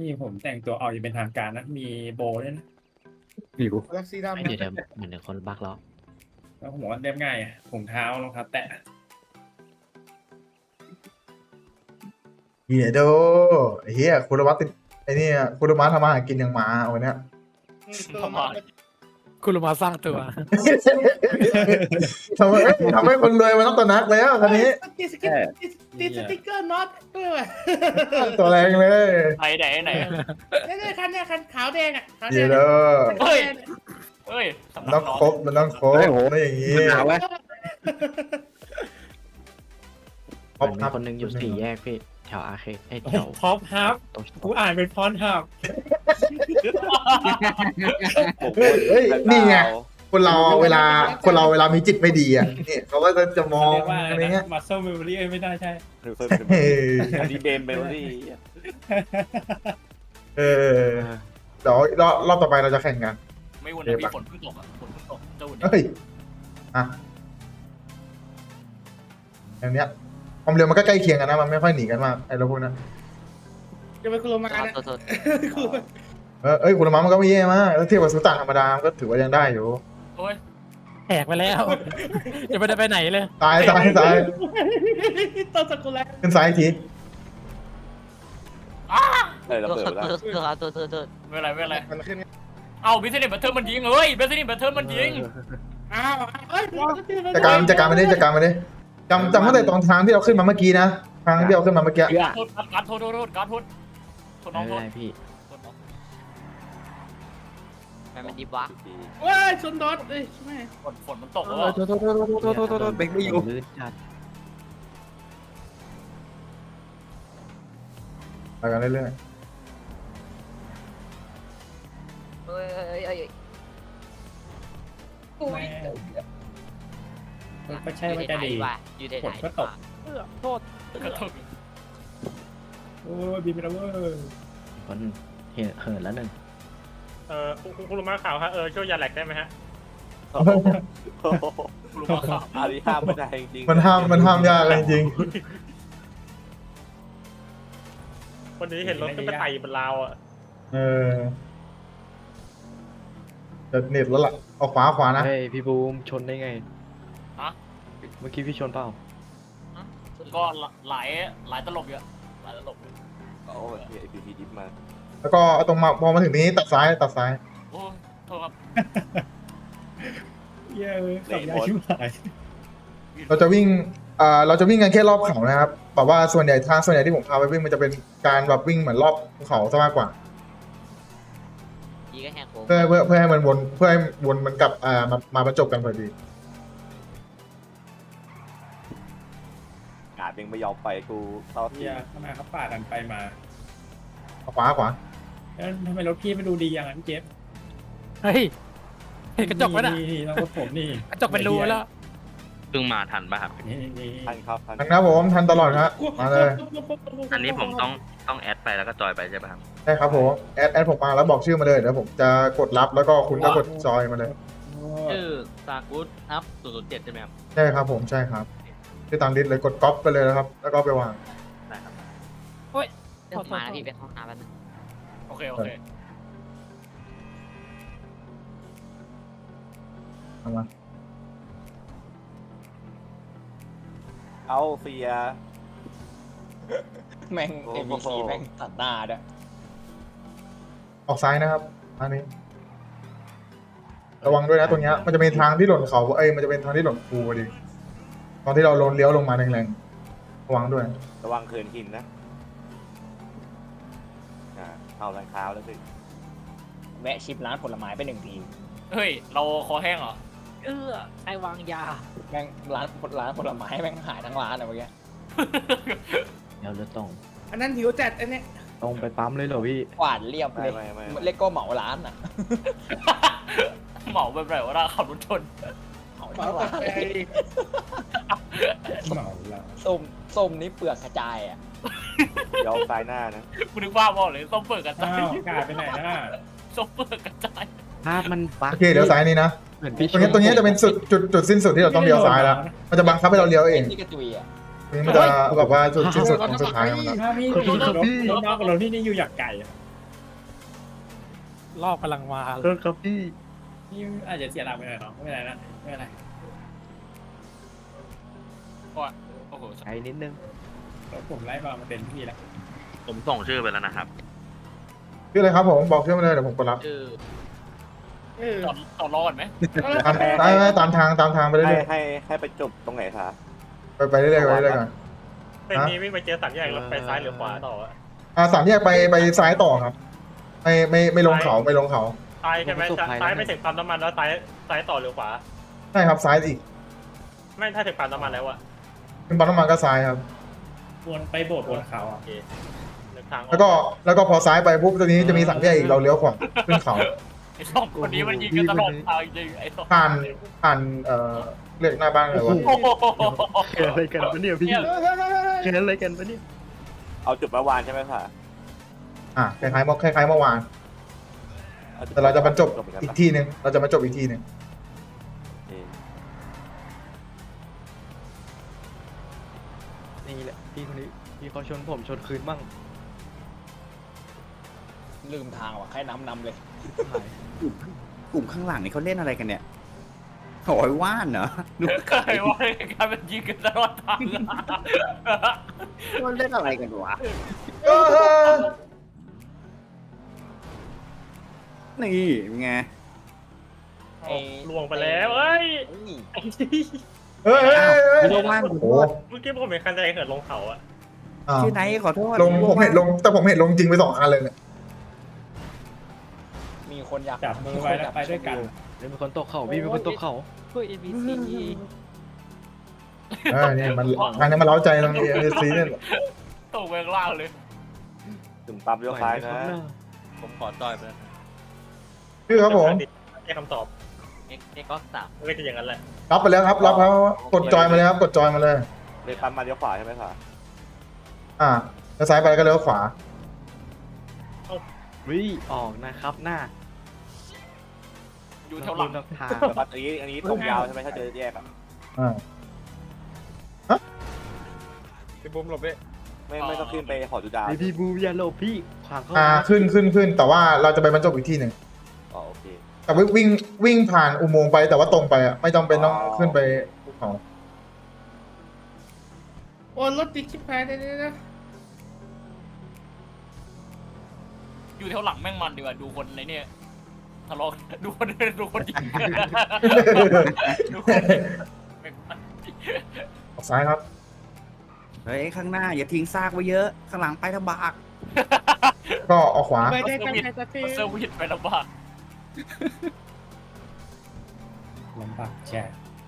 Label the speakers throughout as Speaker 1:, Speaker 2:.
Speaker 1: ผมแต่งตัวออกอย่างเป็นทางการนะมีโบว์ด้วยนะ
Speaker 2: หิว
Speaker 3: ลักซี่ดำ
Speaker 4: เดี๋ยวเหมือนคนบักแล้ว
Speaker 1: แล้วผมว่าเรียบง่ายอะถุงเท้ารองเท้าแตะ
Speaker 5: เฮียโดเฮียคุณวัตติไอ้นี่คุณวัตทำมาหากินอย่างหมาวันเนี้ย
Speaker 3: ตัวมา
Speaker 2: คุณลงมาสร้างตัว
Speaker 5: ทำให้คนรวยมันต้องตระหนักแล้วคันนี้
Speaker 3: ติดสติ๊กเกอร์น็อตด้วยว่ะ
Speaker 5: ตัวแรงเลย
Speaker 6: ไหน
Speaker 3: เนี่ยคันเนี่ยคันขาวแดงอ่ะขาวแด
Speaker 5: เฮีย
Speaker 3: ง
Speaker 5: โด
Speaker 6: เฮ้ยเฮ้ยสำ
Speaker 5: มัน
Speaker 6: นั
Speaker 5: ต้อก ง
Speaker 6: น้อง
Speaker 5: ครบมันต้องครบไม่อย่างงี้
Speaker 2: หนาวไหม
Speaker 5: ครบ
Speaker 4: มัน
Speaker 5: ค
Speaker 4: มี
Speaker 5: รับ
Speaker 4: คนหนึงอยู่สี่แยกพี่แถวอาร์เคดแถว
Speaker 1: พอปฮับ
Speaker 4: ตรง
Speaker 1: กูอ่านเป็นฟอนต์ฮับ
Speaker 5: เฮ้ยนี่ไงคนเราเวลามีจิตไม่ดีอ่ะนี่เขาก็จะมอง
Speaker 1: เรียกว่า
Speaker 5: อะไรเงี้ย
Speaker 1: มัสเซิลเมมโมรี่ไม่ได้ใช่
Speaker 5: เออ
Speaker 7: อันนี้เบมเบลลี่
Speaker 5: เออเดี๋ยวรอบต่อไปเราจะแข่งกัน
Speaker 6: ไม่วุ่นนะพี่ฝนเพิ่งตกอ่ะฝนเพิ่งตกเจ้าหุ่น
Speaker 5: เฮ้ยอ่ะอย่างเนี้ยความเร็วมันก็ใกล้เคียงกันนะมันไม่ค่อยหนีกันมากไอ้เราพวกนั้น
Speaker 3: จะไปคุโรมานะ
Speaker 5: เอ้ยคุณละมังมันก็ไม่แย่มากแล้วเทียบกับสุตานธรรมดามันก็ถือว่ายังได้อยู่
Speaker 6: โอ้ย
Speaker 2: แหกไปแล้วยังไม่ได้ไปไหนเลย
Speaker 5: ซ้าย
Speaker 3: ต้นสกุลแล้ว
Speaker 5: ขึ้นซ้ายอีกที
Speaker 7: เราเปิดแล้ว
Speaker 6: ไม่เป็นไรไม่เป็นไร
Speaker 3: มันขึ้น
Speaker 6: เอาบิสเนสบัตเทิลมันยิงเฮ้ยบิสเนสบัตเทิลมันยิง
Speaker 3: อ้าวเอ้ย
Speaker 5: จัดการมาดิจำตั้งแต่ตอนทางที่เราขึ้นมาเมื่อกี้นะทางที่เราขึ้นมาเมื่อกี้
Speaker 6: โทษการโทษการโทษน้
Speaker 4: ไม่
Speaker 6: องโทษ
Speaker 4: เป็นไรพี่
Speaker 6: น้อง
Speaker 4: มันดีวะ
Speaker 3: เว้ยชนดอทเอ้ยใช่ไหม
Speaker 6: ฝนมันตกแล้ว
Speaker 2: โทษเบรกไม่อยู่
Speaker 4: ลื่นจัด
Speaker 5: ไปกันเรื่อย
Speaker 1: ก็ใช่ว่าจะดีฝนก็ตก
Speaker 2: โทษ
Speaker 6: กระทบ
Speaker 1: โอ้ยบินไปแล้วเว้ย
Speaker 4: คนเหินแล้วหนึ่ง
Speaker 8: คุณลุงมาข่าวฮะช่วยยาแหลกได้ไหมฮะ
Speaker 6: รู้ว่าข่าว
Speaker 7: อันนี้ห้ามไม่ได้จริง
Speaker 5: ๆมันห้ามยากเลยจริง
Speaker 8: วันนี้เห็นรถขึ้นไปไต่บนราวอ่ะ
Speaker 5: เออจะเน็ตแล้วล่ะเอาขวานะ
Speaker 4: เฮ้ยพี่บูมชนได้ไง
Speaker 6: ฮะ
Speaker 4: เมื่อกี้พี่ชนเปล่า
Speaker 6: ก็หลายตลบเยอะหลายตลบ
Speaker 7: โอ้ยไอพีพีดิฟมา
Speaker 5: แล้วก็เอาตรงมาพอมาถึงนี้ตัดซ้าย
Speaker 6: โอ้โทษครับ
Speaker 1: เย้ยขับยาชิบหาย
Speaker 5: เราจะวิ่งกันแค่รอบเขานะครับแบบว่าส่วนใหญ่ที่ผมพาไปวิ่งมันจะเป็นการแบบวิ่งเหมือนรอบภูเขาซะมากกว่า
Speaker 4: ยี่ก็แหกโค้ง
Speaker 5: เพื่อให้มันวนมันกลับมาบรรจบกันพอดี
Speaker 7: กาดยังไม่ยอมไปกูเท่า
Speaker 1: เฮี
Speaker 7: ที่
Speaker 1: ยทำไมเขาปาดกันไปมา
Speaker 5: ขวา
Speaker 1: แล้วทำไมรถพี่ไม่ดูดีอย่างนั้นเจฟ
Speaker 2: เฮ้ยเห็นกระจกไหมน่ะ
Speaker 1: นี่รถผมนี่
Speaker 2: กระจกเป็นรูแล้ว
Speaker 9: เพิ่งมาทันป่ะครับ
Speaker 1: นี่
Speaker 7: ทันครับ
Speaker 5: ทันนะผมทันตลอดครับมาเลย
Speaker 9: อันนี้ผมต้องแอดไปแล้วก็จอยไปใช่ป่ะครับ
Speaker 5: ใช่ครับผมแอดผมมาแล้วบอกชื่อมาเลยเดี๋ยวผมจะกดรับแล้วก็คุณก็กดจอยมาเลย
Speaker 9: ชื่อซากุสอัพ007ใช่ไหมครับ
Speaker 5: ใช่ครับผมใช่ครับที่ตามลิสต์เลยกดก๊อปไปเลยนะครับ แล้วก็ไปวาง
Speaker 9: ได้ครับ
Speaker 4: เรื่องมาแล้วพี่ไปห้องน้ำแล้วนะ
Speaker 6: โอเค
Speaker 5: เอามา
Speaker 7: เอาเสีย
Speaker 10: แม่ง NPC แม่งตัดหน้าด้วย
Speaker 5: ออกซ้ายนะครับอันนี้ ระวังด้วยนะตรงเนี้ยมันจะเป็นทางที่หล่นเขามันจะเป็นทางที่หล่นภูพอดีตอนที่เราเลี้ยวลงมาแรงๆระวังด้วย
Speaker 7: ระวังเขินหินนะเอารองเท้าแล้วสิ
Speaker 10: แวะชิปร้านผลไม้ไป1 ที
Speaker 6: เฮ้ยเราคอแห้งเหรอ
Speaker 4: ไอวางยา
Speaker 10: แม่งร้านผลไม้แม่งหายทั้งร้านอะเมื่อกี้
Speaker 4: เดี๋ยวเลือดตรง
Speaker 3: อันนั้นหิวจัดอันเนี้ย
Speaker 4: ตรงไปปั๊มเลยเหรอพี่
Speaker 10: กวาดเรียบเลย
Speaker 7: ไม่
Speaker 10: เล็กก็เหมาร้านอ่ะ
Speaker 6: เหมาแบบไหนวะเราขับรถชน
Speaker 10: เหมา
Speaker 3: เมา
Speaker 10: ทั้ง
Speaker 3: กา
Speaker 10: ร้าน
Speaker 3: แฟ
Speaker 1: เหมาแล้ว
Speaker 10: ส้มนี่เปลือกกระจายอ่ะ
Speaker 7: ยอมตายหน้านะ
Speaker 6: กูนึกว่าบอกเลยส้มเปิดกระจา
Speaker 1: อ้าวย กาดไปไหนนะ
Speaker 6: ส้มเปิดกระจาย
Speaker 4: ภาพมันบัก
Speaker 5: โอเคเดี๋ยวซ้ายนี้นะ
Speaker 4: เหมือนพี่
Speaker 5: ตรงนี้จะเป็นจุดสิ้นสุดที่เราต้องเลี้ยวซ้ายแล้วมันจะบังคับให้เราเลี้ยวเอง
Speaker 10: นี่กระจุยอ่ะ
Speaker 5: ตรงนี้มันจะแบบว่าจุดสิ้นสุดของสุดท้ายของมัน
Speaker 1: ถ้าพี่รถนอกกับรถพี่นี่อยู่อยากไก่
Speaker 2: รอบกำลังมา
Speaker 4: โทษครับพี่
Speaker 1: นี่อาจจะเสียหลักไปหน่อยเนาะไม่เป็นไรนะไม่เป็นไร
Speaker 6: โอ้โห
Speaker 4: ไอ้นิดนึง
Speaker 1: รถผมไล่มาเต็มที่แล้ว
Speaker 9: ผมส่งชื่อไปแล้วนะครับ
Speaker 5: ชื่ออะไรครับผมบอกชื่อมาเลยเดี๋ยวผมกดรับ
Speaker 9: ชื่อ
Speaker 6: ต่อรอก่อนไหม
Speaker 5: ตามทางไปเรื่
Speaker 7: ให้
Speaker 5: อย
Speaker 7: ให้ไปจบตรงไหนคะ
Speaker 5: ๆไปเรื่อยๆไปเรื่อยๆก่อน
Speaker 8: เป็นนี้วิ่งไปเจอสามแยกแล้วไปซ้ายหรือขวาต่ออะ
Speaker 5: สามแยกไปซ้ายต่อครับไม่ลงเขาไม่ลงเขา
Speaker 8: ซ้ายใช่ไหมซ้ายไปถึงปั๊มน้ำมันแล้วซ้ายต่อหรือขวา
Speaker 5: ใช่ครับซ้ายอีก
Speaker 8: ไม่ถ้าถึงปั๊มน้ำมันแล้วอะ
Speaker 5: เป็นปั๊มน้ำมันก็ซ้ายครับ
Speaker 1: วนไปโบสถ์วนเขา
Speaker 8: โอ
Speaker 1: อ่ะ
Speaker 8: เคเดินทางออก
Speaker 5: แล้วก็พอซ้ายไปปุ๊บตรงนี้จะมีสามแยกอีกเราเลี้ยวขวาขึ้นเขา
Speaker 6: ไอ้สองคนนี้มันยิงกันตลอดทางจริงไอ้สอง
Speaker 5: ผ่านเรียกหน้าบ้านเลยวะ
Speaker 6: โอ้โห
Speaker 4: เกิดอะไรกันปะเนี่ยพี่เกิดอะไรกันปะเนี่ย
Speaker 7: เอาจุดเมื่อวานใช่ไหมคะ
Speaker 5: คล้ายๆเมื่อวานแต่เราจะบรรจบอีกที่หนึ่งเราจะมาจบอีกที่หนึ่ง
Speaker 4: นี่แหละพี่คนนี้พี่เขาชนผมชนคืนบ้าง
Speaker 10: ลืมทางว่ะให้นำเลย
Speaker 11: กลุ่มข้างหลังนี่เขาเล่นอะไรกันเนี่ยโอ้ยว่านเหรอดู
Speaker 6: เคยว่าการเป็นยิงกันตลอดทาง
Speaker 11: เขาเล่นอะไรกันวะนี่ไง
Speaker 8: ล่วงไปแล้วเอ้ย
Speaker 11: ลงล่าง
Speaker 5: โอ้โห
Speaker 8: เมื่อกี้ผมเห็นคันใจเหินลงเขาอะ
Speaker 11: ชื่อไหนขอโทษ
Speaker 5: ผมเห็นลงแต่ผมเห็นลงจริงไป2 คันเลยเนี่ย
Speaker 10: มีคนอยาก
Speaker 1: จับมือไว้แล้วไปด้วยกัน
Speaker 4: มีคนตกเขาพี่มีคนตกเขา
Speaker 2: เพื่อ NPC
Speaker 5: นี่มันทางนี้มันเล้าใจตรงนี้ซีเนี่ย
Speaker 6: ตกเวงล่างเลย
Speaker 7: ถึงปั๊มเลี้ยวซ้ายนะ
Speaker 9: ผมขอจอยไปแล้ว
Speaker 5: ชื่อครับผม
Speaker 8: แค่คำตอบ
Speaker 9: เอ็กก็สาม
Speaker 8: มันก็จะอย่างนั้นแหละ
Speaker 5: รับไปแล้วครับรับแล้วกดจอยมาเลยครับกดจอยมาเลย
Speaker 7: เลยปั๊มมาเลี้ยวขวาใช่ไหมคะ
Speaker 5: แล้วซ้ายไปก็เลี้ยวขวา
Speaker 4: วิออกนะครับหน้า
Speaker 6: อยู่แถวหลัง
Speaker 4: ทาง
Speaker 7: แต่ว่าอันนี้ตรงยาวใช่ไหมถ้าเจอแยกอะ
Speaker 8: พี่บุ้มหลบไป
Speaker 7: ไม่ต้องขึ้นไปหอดูดาว
Speaker 4: พี่บูอย่าหลบพี่ขวางเข้า
Speaker 5: ขึ้นแต่ว่าเราจะไปบรรจบอีกที่หนึ่ง
Speaker 7: อ๋อโอเค
Speaker 5: แต่วิ่งผ่านอุโมงค์ไปแต่ว่าตรงไปอ่ะไม่จำเป็นต้องขึ้นไปภูเขา
Speaker 3: โอ้รถติดชิบหายเลยนะ
Speaker 6: อยู่แถวหลังแม่งมันดีกว่าดูคนในเนี่ยทะเลาะดูคนยิงดูคนยิง
Speaker 5: ออกซ้ายครับ
Speaker 11: เฮ้ยข้างหน้าอย่าทิ้งซากไว้เยอะข้างหลังไปลำบาก
Speaker 5: ก็ออกขวา
Speaker 3: ไม่ได้ตั้งใจจะเท
Speaker 6: เซอร์วิสไปลำบาก
Speaker 1: ลำบากแช่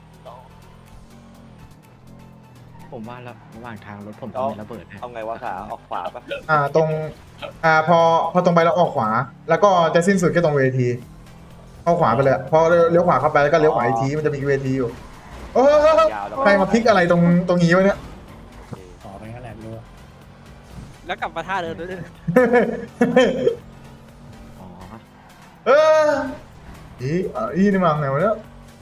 Speaker 4: ผมว่าแล้วระหว่างทางรถผมต้องมีระเบิดนะ
Speaker 7: เอาไงวะขาออกขวาปะ
Speaker 5: ตรงพอตรงไปแล้วออกขวา แล้วก็จะสิ้นสุดแค่ตรงเวทีเข้าขวาไปเลยพอเลี้ยวขวาเข้าไปแล้วก็เลี้ยวขวาอีกทีมันจะมีเวทีอยู่ใครมาพลิกอะไรตรงนี้วะเนี่ย
Speaker 1: ขอไปงั้นแหละไม่รู้
Speaker 2: แล้วกลับมาท่าเดิมด้วย
Speaker 4: อ๋อ
Speaker 5: นี่มาไงวะเนี่ย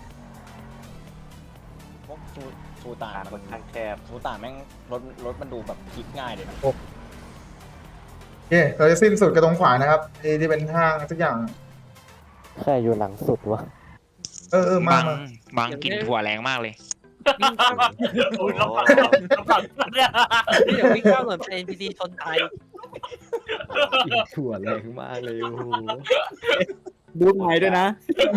Speaker 10: พวกซูตา
Speaker 7: ทางค่อนข้างแคบ
Speaker 10: ซูตาแม่งรถมันดูแบบพลิกง่ายเลยนะ
Speaker 5: โอเคเราจะสิ้นสุดกับตรงขวานะครับที่เป็นห้างทุกอย่าง
Speaker 4: ใครอยู่หลังสุดวะ
Speaker 5: มา
Speaker 9: บางกลิ่นถั่วแรงมากเลย
Speaker 6: โอ้ยลำบากลำบากเนี่ย
Speaker 2: เดี๋ยววิ่งข้ามเหมือนเป็น NPC ชนตาย
Speaker 4: ถั่วแรงมากเลยโอ้โห
Speaker 11: ดูไหนด้วยนะ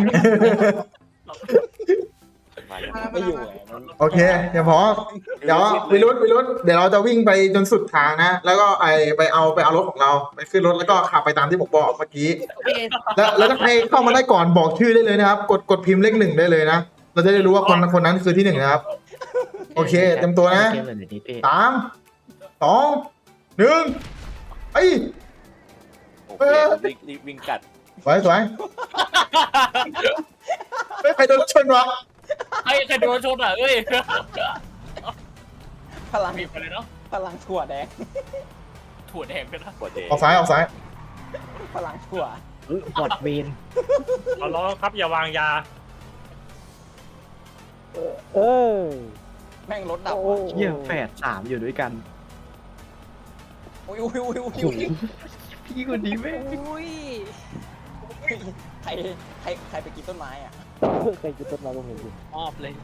Speaker 10: ไม่อยู่ไงมัน
Speaker 5: โอเคเดี๋ยววิรุธเดี๋ยวเราจะวิ่งไปจนสุดทางนะแล้วก็ไปเอารถของเราไปขึ้นรถแล้วก็ขับไปตามที่ผมบอกเมื่อกี้แล้วถ้าใครเข้ามาได้ก่อนบอกชื่อได้เลยนะครับกดพิมพ์เลข 1ได้เลยนะเราจะได้รู้ว่าคนนั้นคือที่ 1นะครับโอเคเต็มตัวนะ
Speaker 4: เกมแบบนี้พี่
Speaker 5: 3 2 1ไอ้
Speaker 7: โอเครีบวิ่งกัด
Speaker 5: สวยใครโดนรถชนวะ
Speaker 6: ใครโดนชนอ่ะเอ้ย
Speaker 10: พลัง
Speaker 6: มีไปเลยเนาะ
Speaker 10: พลังถั่วแดง
Speaker 6: ถั่วแดงกันนะ
Speaker 7: กดเด
Speaker 5: ออกซ้าย
Speaker 10: พลังถั่ว
Speaker 4: บอดเวน
Speaker 8: เอาล้อครับอย่าวางยา
Speaker 10: แม่งรถดับ
Speaker 4: เยี่ยแฝด3อยู่ด้วยกัน
Speaker 10: อุ้ย
Speaker 4: โอ้โหพี่คนนี้แม่ง
Speaker 2: อุ้ย
Speaker 10: ใครใครไปกินต้นไม้อ่ะ
Speaker 4: เคยกินต้นไม้ผมเห็นอยู่
Speaker 2: มอบเลย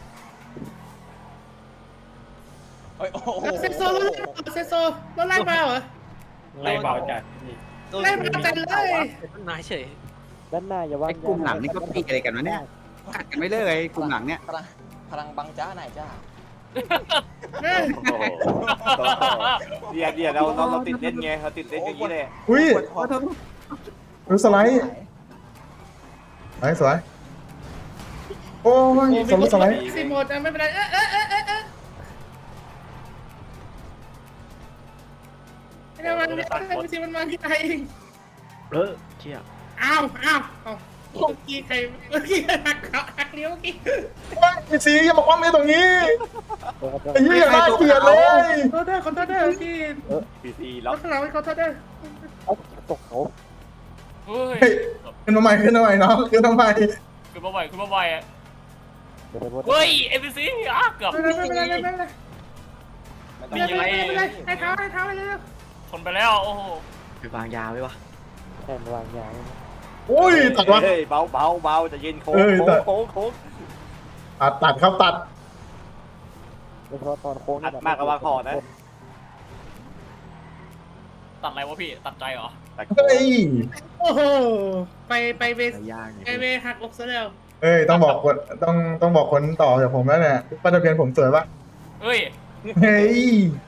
Speaker 10: เฮ้ยโอ้โห
Speaker 3: เซโซรถไล่มาเหรอ
Speaker 1: ไล่เบาจัดนี่
Speaker 2: โดน
Speaker 3: ไล่มาจัดเลย
Speaker 2: เป็นต้นไม้เฉย
Speaker 4: ด้านหน้าอย่าว่าง
Speaker 11: ไอ้กลุ่มหลังนี่ก็ปีอะไรกันวะเนี่ยกัดกันไม่เลิกไอ้กลุ่มหลังเนี่ย
Speaker 10: พลังบังจ้าไหนจ้า
Speaker 7: โอ้โหเดี๋ยวเราติดเล่นไงเราติดเล่นอย่างนี้เลย
Speaker 5: อุ้ย
Speaker 11: ขอโทษ
Speaker 5: ดูสไลด์สวยโอ้ยสไลด์
Speaker 3: ซีโมดไม่เป็นไรไม่ได้มันไม่ใช่มันมาที่ไทยเอง
Speaker 4: เชี่ย
Speaker 3: อ้าวเมื่อกี้ใครหักเลี้ยวเมื่อกี้
Speaker 5: พี่ซีอย่าบอกว่าไม่ตรงนี้ไอ้เหี้ยน่าเกลียดเลย
Speaker 3: ขอโทษด้วยที่
Speaker 7: พีซี
Speaker 3: ร
Speaker 7: ล็อก
Speaker 3: ถข้างหลังขอโทษด้วย
Speaker 4: ตกเขา
Speaker 6: เฮ้ย
Speaker 5: เฮ้ยขึ้นมาใหม่น้องขึ้นมาใหม่
Speaker 6: คือมาไวอ่ะเฮ้ย NPC อ่ะเกือบ
Speaker 3: ไม่เป็นไร
Speaker 6: นี่ยังไง
Speaker 3: ให้เท้าไปเลย
Speaker 6: ชนไปแล้วโอ้โห
Speaker 4: ไปวางยาไว้วะแทนวางยา
Speaker 5: โอ้ยตัดวะ
Speaker 7: เฮ้ยเบาจะเย็นโค้ง
Speaker 5: ตัดครับตัด
Speaker 4: โดยเฉพาะตอนโค้ง
Speaker 7: อัดมากกว่าวางคอนะ
Speaker 6: ตัดอะไรวะพี่ตัดใจเหรอ
Speaker 5: เฮ้ย
Speaker 3: โอ้โหไปเว
Speaker 4: ยาก
Speaker 3: ไปเวหักอกซะแล้ว
Speaker 5: เอ้ยต้องบอกคนต้องบอกคนต่อจากผมแล้วเนี่ยป้ายทะเบียนผมสวยปะ
Speaker 6: เฮ้ย
Speaker 5: เฮ้ย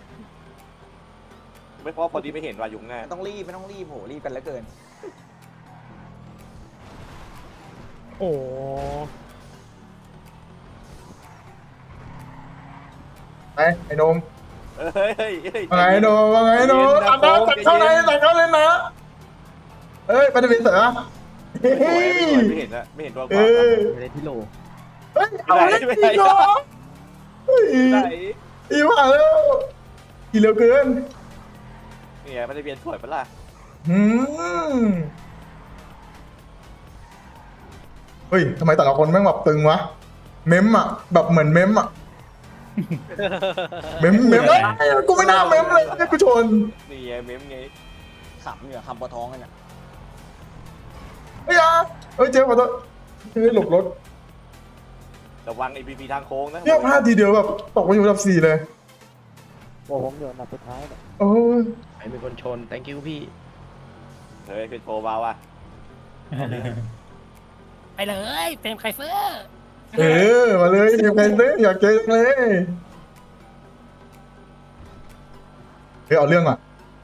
Speaker 7: ไม่เพราะพอดีไม่เห็นว่ายุงแน่
Speaker 10: ไม่ต้องรีบโหรีบกันเหลือเกิน
Speaker 4: โอ้
Speaker 5: ไอ้นม
Speaker 7: เฮ้ย
Speaker 5: ว่าไงนมตัดเข้าเลยนะเอ้ยป้ายทะเบียนเสือเฮ้ย
Speaker 7: ไม่เห็นนะไม่เห็นตัว
Speaker 5: เออ
Speaker 4: ไม่ได้ที่โล
Speaker 5: เฮ้ยเอาเล่นจริงเหรอเฮ้ย
Speaker 7: ไหน
Speaker 5: อีว่าแล้วกี่เร็วเกิน
Speaker 7: เนี่ยมันจะเปลี่ยนสวยปะล่ะ
Speaker 5: เฮ้ยทำไมแต่ละคนแม่งแบบตึงวะเมมอ่ะแบบเหมือนเมมอ่ะเมมเอ้ยกูไม่น่าเมมเลยกูชน
Speaker 7: นี่ไงเมมไง
Speaker 10: ขำเหนือคำปะท้องกันอ่ะ
Speaker 5: เฮ้ยเฮ้ยเจ๊ขอโทษเฮ้ยหลบรถ
Speaker 7: ระวัง APP ทางโค้งนะ
Speaker 5: เนี่ยพลาดทีเดียวแบบตกมาอยู่อันดับ 4เลย
Speaker 4: โอ้ผมอยู่อันดับสุดท้ายเนี่ย
Speaker 5: โอ้ย
Speaker 4: ใครเป็นคนชน thank you พี่
Speaker 7: เฮ้ยเป็นโปรเบาอ่ะ
Speaker 2: ไปเลยเป็นไคเฟอร์
Speaker 5: เออมาเลยทีมใครเลยอยากเจอจังเลยเฮ้ยเอาเรื่องอ่ะ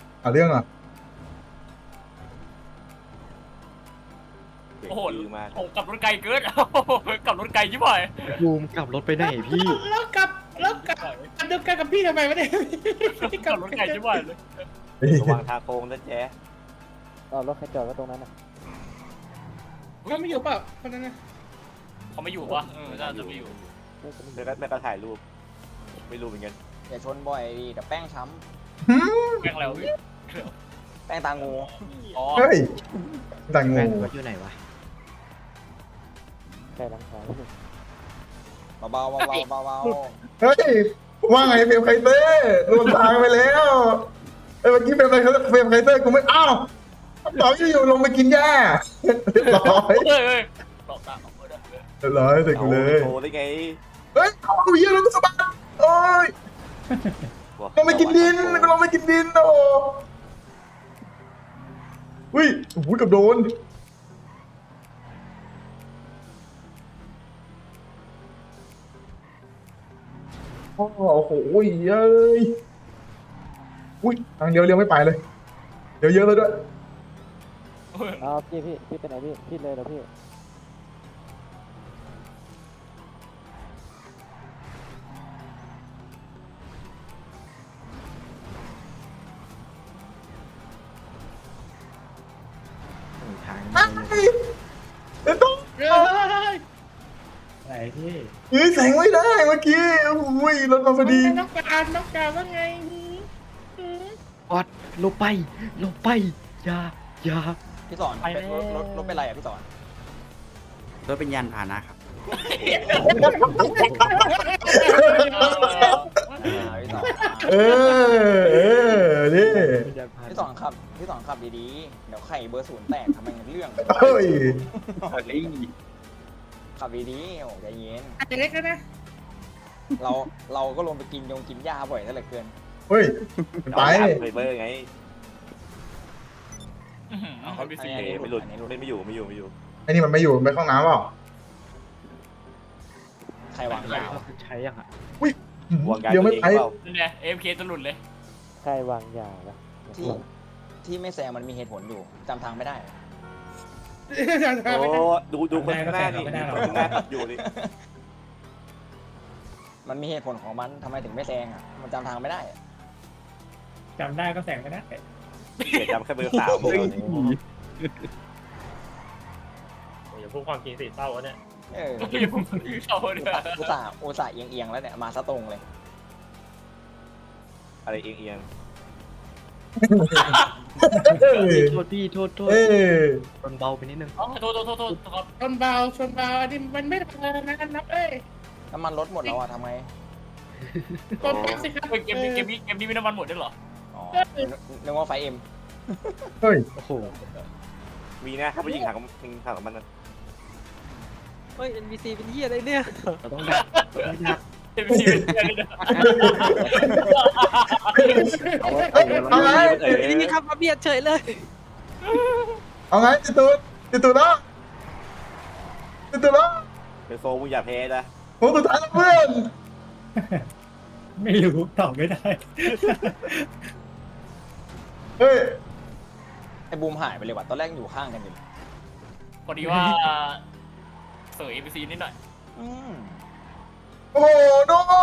Speaker 6: โอ้โห
Speaker 7: มา
Speaker 6: ผมกลับรถไกลเกินกลับรถไกลชิบหาย
Speaker 4: บูมกลับรถไปไหนพี่
Speaker 3: แล้วกลับอันเดียวกันกับพี่ทำไมไม่ได้
Speaker 6: กลับรถไกลชิบหายเลย
Speaker 7: ระวังทางโค้งนะแจ๊
Speaker 4: เอารถใครจอดไว้ตรงนั้นนะ
Speaker 3: เขาไม่อยู่เปล่าคนนั้นนะ
Speaker 6: เขาไม่อยู่ปะน่าจะไม่อยู่
Speaker 7: แม่ก็ถ่ายรูปไม่รู้เหมือนกัน
Speaker 10: อย่าชนบ่อยดิเดี๋ยวแป้งช้
Speaker 6: แกล้งแล้วพี่
Speaker 10: ำแป้งตางู
Speaker 6: อ๋อ
Speaker 5: เฮ้ยแต่ง
Speaker 4: แฟน
Speaker 5: ง
Speaker 4: ว่าอยู่ไหนวะใกล้หลังคา
Speaker 10: เบาๆ
Speaker 5: เฮ้ยว่าไงเฟรมไคเตอร์รวมทางไปแล้วเมื่อกี้เฟรมไคเตอร์กูไม่อ้าวต่ออยู่ลงไปกินหญ้าเรียบร้อย
Speaker 6: เฮ้ยหลอกตาออกมาได้
Speaker 5: เรียบร้อยเสร็จกูเลย
Speaker 7: โชว์ได้ไง
Speaker 5: เฮ้ยเอาเหี้ยอะแล้วกูสะบัดโอ้ยลงไปกินดินโอ้อุ้ยโอ้โหกับโดนโอ้โหเย้ยอุ้ยทางเดียวเลี้ยวไม่ไปเลยเดี๋ยวเยอะเลยด้วย
Speaker 4: เอาพี่ไปไหนพี่เลยเหรอพี่ทาง
Speaker 5: เดี๋ยวต้อง
Speaker 1: ไหนพี่
Speaker 5: ยื้อแสงไม่ได้เมื่อกี้โอ้โหรถมาพอดี
Speaker 3: น้องการว่าไง
Speaker 4: ออดลงไปอย่า
Speaker 10: พี่สอนรถเป็นไรอ่ะพี่สอน
Speaker 11: รถเป็นยานพาหนะครับ
Speaker 10: พี่สอน
Speaker 5: นี่
Speaker 10: พี่สอนขับดีๆเดี๋ยวไข่เบอร์ศูนย์แตกทำไมมันเรื่อง
Speaker 5: เฮ้ย
Speaker 10: ขับดีๆโอ้ใจเย็น
Speaker 3: อาจจะเล็กแล้วนะ
Speaker 10: เราก็ลงไปกินหญ้าบ่อยซะเหลือเกิน
Speaker 5: เฮ้ยไป
Speaker 7: ไฟเบอร์ไง
Speaker 6: คอมพิวเตอ
Speaker 7: เอ
Speaker 6: ร์
Speaker 7: ไม่หลุดไม่อยู่
Speaker 5: ไอ้นี่มันไม่อยู่ไปเข้าห้องน้ำเปล่า
Speaker 10: ใครวางยาว
Speaker 4: ใช้ยังอ่ะ
Speaker 7: วางยา
Speaker 5: เดี๋ยว
Speaker 7: ตัว
Speaker 5: ไม่
Speaker 7: เอง
Speaker 5: ไป
Speaker 7: เปล่า
Speaker 6: เนี่ยเอ็มเคจะหลุดเลย
Speaker 4: ใครวางยาละ
Speaker 10: ที่ไม่แซงมันมีเหตุผลอยู่จำทางไม่ได้
Speaker 7: โอ้ดูคนข้างหน้านี่คนข้างหน้าขับอยู่นี่
Speaker 10: มันมีเหตุผลของมันทำไมถึงไม่แซงอ่ะมันจำทางไม่ได้
Speaker 1: จำได้ก็แสงไม่ได้
Speaker 7: เกียรจำแค่เบอร์3ของเราเนี่ย
Speaker 8: อย่าพูดความจริงสิเศร้าวะเนี่ย
Speaker 10: เออ
Speaker 6: อย่าพูดเขาเนี่ย
Speaker 10: อุตส่าห์เอียงๆแล้วเนี่ยมาซะตรงเลย
Speaker 7: อะไรเอียง
Speaker 5: เฮ้ย
Speaker 4: โทษพี่โทษ
Speaker 5: เอ้ย
Speaker 4: ชนเบาไปนิดนึง
Speaker 6: อ๋อโทษครับ
Speaker 3: ชนเบาอันนี้มันไม่ทำอะไรนะนับเอ้ย
Speaker 10: น้ำมันลดหมดแล้วอ่ะทำไง
Speaker 3: กดปั๊บสิครับ
Speaker 6: เกมนี้มีน้ำมันหมดด้วยเหรอ
Speaker 10: อ๋อนึกว่าไฟเอ็ม
Speaker 5: เฮ้ย
Speaker 4: โอ้โห
Speaker 7: ๆมีนะถ้าไปยิงหางกับมันนะ
Speaker 2: เฮ้ย NPC เป็นเหี้ยอะไรเนี่ย
Speaker 4: เราต้องดัก
Speaker 6: เอ็มซีเป็นเพื่อนเลยนะ
Speaker 5: เอาไง
Speaker 2: นี่ครับมาเบียดเฉยเลย
Speaker 5: เอาไงติดตูดแล้ว
Speaker 7: เป็นโฟมึงอย่าแพ้นะ
Speaker 5: โอ้สุดท้ายแล้วเพื่อน
Speaker 1: ไม่รู้ตอบไม่ได้
Speaker 5: เฮ้ย
Speaker 10: ไอ้บูมหายไปเลยว่ะตอนแรกอยู่ข้างกันอยู่เลย
Speaker 6: พอดีว่าเสยเอ็มซีนิดหน่อย
Speaker 10: อืม
Speaker 5: โอ้โหโด